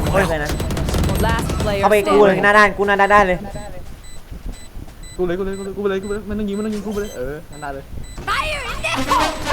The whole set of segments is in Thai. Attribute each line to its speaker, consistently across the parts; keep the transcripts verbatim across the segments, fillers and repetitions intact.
Speaker 1: ไม่เลยนะ
Speaker 2: Last player
Speaker 1: เข้าไปกูเลย
Speaker 2: standing.
Speaker 1: หน้าด้านกูหน้าด้านได้เลย
Speaker 3: กูเลยกูเลยกูเลยกูเลยกูเลยมันต้องยิงมันต้องยิงกูไปเลยเออนั่นได้เลย
Speaker 4: เอ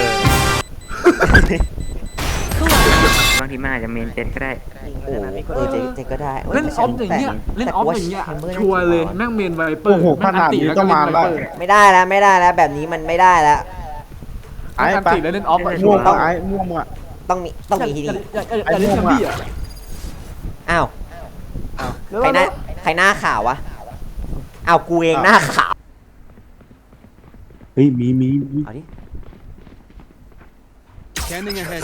Speaker 4: อบางทีมันอาจจะเมนเจ็ดก็ได้
Speaker 1: โอ้เออเจ๊เจ๊ก็ได้
Speaker 3: เล่นออฟอย่างเงี้ยเล่นออฟอย่างเงี้ยชัวร์เลยแม่งเมนไวเปอ
Speaker 5: โอ้
Speaker 3: ร์
Speaker 5: โหขนาดนี้ก็มาได้
Speaker 1: ไม่ได้แล้วไม่ได้แล้วแบบนี้มันไม่ได้แล้ว
Speaker 3: ไอ้ปะแล้วเล่นออฟอะ
Speaker 5: ม่วงต้องไอ้ม่วงอ่ะ
Speaker 1: ต้องมีต้องมีที่นี่
Speaker 3: อย่าเล่นกับพี่อ่ะ
Speaker 1: อ้าวใครหน้าใครหน้าขาววะอ้าวกูเองหน้าขาว
Speaker 5: เฮ้ยมีมีมี
Speaker 1: เอาดิ
Speaker 6: Scanning ahead.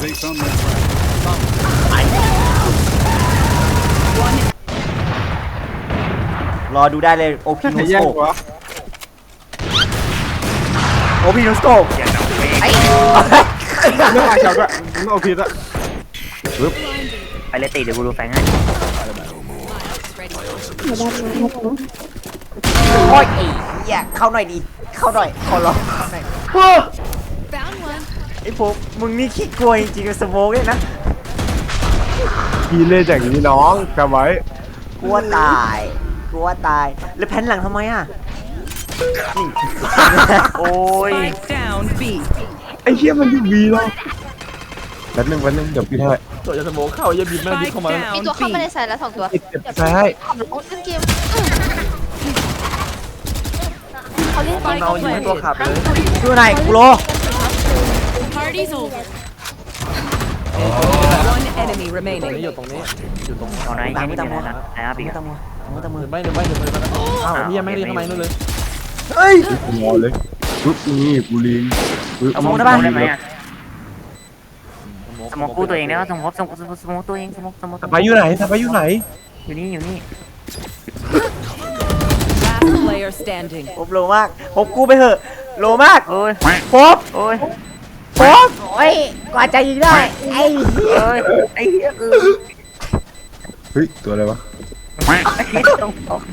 Speaker 1: รอดูได้เลยโอพี
Speaker 5: ใคร
Speaker 1: โนส
Speaker 5: แย่
Speaker 1: โก
Speaker 5: งวะ
Speaker 1: โอพีโนสโก
Speaker 4: อย่าเอาเมน
Speaker 1: ไอ้
Speaker 5: เรื่องอะไรเจ้าด้วยมึงเอาผิดอะ
Speaker 4: ไปเลยตีเดี๋ยวกูดูแฟงให้
Speaker 1: โอ้ยไอ้เหี้ยเข้าหน่อยดิเข้าหน่อยขอร้องเข้าหน่อยไอ้พวกมึงนี่ขี้กลัวจริงๆกับสโมกเลยนะ
Speaker 5: พี่เล่นอย่างนี้น้องจำไว้
Speaker 1: กลัวตายกลัวตายแล้วแผ่นหลังทำไมอ่ะ
Speaker 4: โอ้ย
Speaker 2: Spike down B.
Speaker 5: ไอ้เหี้ยมันอยู่วีหรอแป๊บนึงแป๊บนึงเดี๋ยวพี่ให้
Speaker 3: ตัวจะสโมกเข้าอย่าบินแม่งบิน
Speaker 2: Spike
Speaker 3: เข้ามา
Speaker 2: down
Speaker 7: มีตัวเข้า
Speaker 2: B.
Speaker 7: มาในสายแล้วสองตัว
Speaker 5: เก็บใส่ให้
Speaker 7: โอ้เล่นเกมเขาเล่นเกม
Speaker 3: เอายิงให้ตัวขับเลย
Speaker 1: ดูไหนกูโล
Speaker 2: Party's over. One enemy
Speaker 3: ตรงนี้
Speaker 2: remaining.
Speaker 3: อยู่ตรงนี้อยู่ตรง
Speaker 4: เอาไหน
Speaker 1: ตาม
Speaker 4: แค่
Speaker 1: มื
Speaker 4: นี้
Speaker 1: อตามมื
Speaker 4: นะ
Speaker 1: อ
Speaker 4: ไอ้อาบี
Speaker 1: มือ
Speaker 4: กั
Speaker 1: ตามมือมือตามมือ
Speaker 3: เดี๋ยวไม่เดี๋ยวไม่เดี๋ยวไม่อ้าวพี่ยังไม่ได้เข้ามานู่นเลย
Speaker 1: เฮ้ย
Speaker 5: กูงอเลยปึ๊บนี่กูลิงปึ๊บ
Speaker 4: สมองได้ไหมอ่ะสมองกู้ตัวเองได้ป่ะสมองสมองสมองตัวเองสมองสมอง
Speaker 5: ไปอยู่ไหนไปอยู่ไหน
Speaker 4: อยู่นี่อยู่นี่
Speaker 2: Last player standing.
Speaker 1: ผมโลมากผมกูไปเถอะโลมาก
Speaker 4: โอ้ย
Speaker 1: พบ
Speaker 4: โอ้ย
Speaker 1: พบโอ้ยกว่าจะยิงได้ไอ้เหี้ย
Speaker 4: เอ้ยไอ้เหี้ยคือ
Speaker 5: เฮ้ยตัวอะไรวะ
Speaker 4: ไอ้เหี้ยต้องตก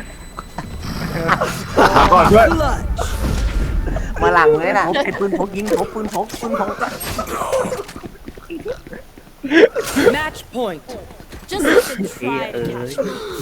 Speaker 5: ก่อนด้วย
Speaker 1: มาหลังเลยนะ
Speaker 4: พกไอ้ปืนพกยิงพกปืนพกปืนพก
Speaker 2: Match point.
Speaker 4: เออ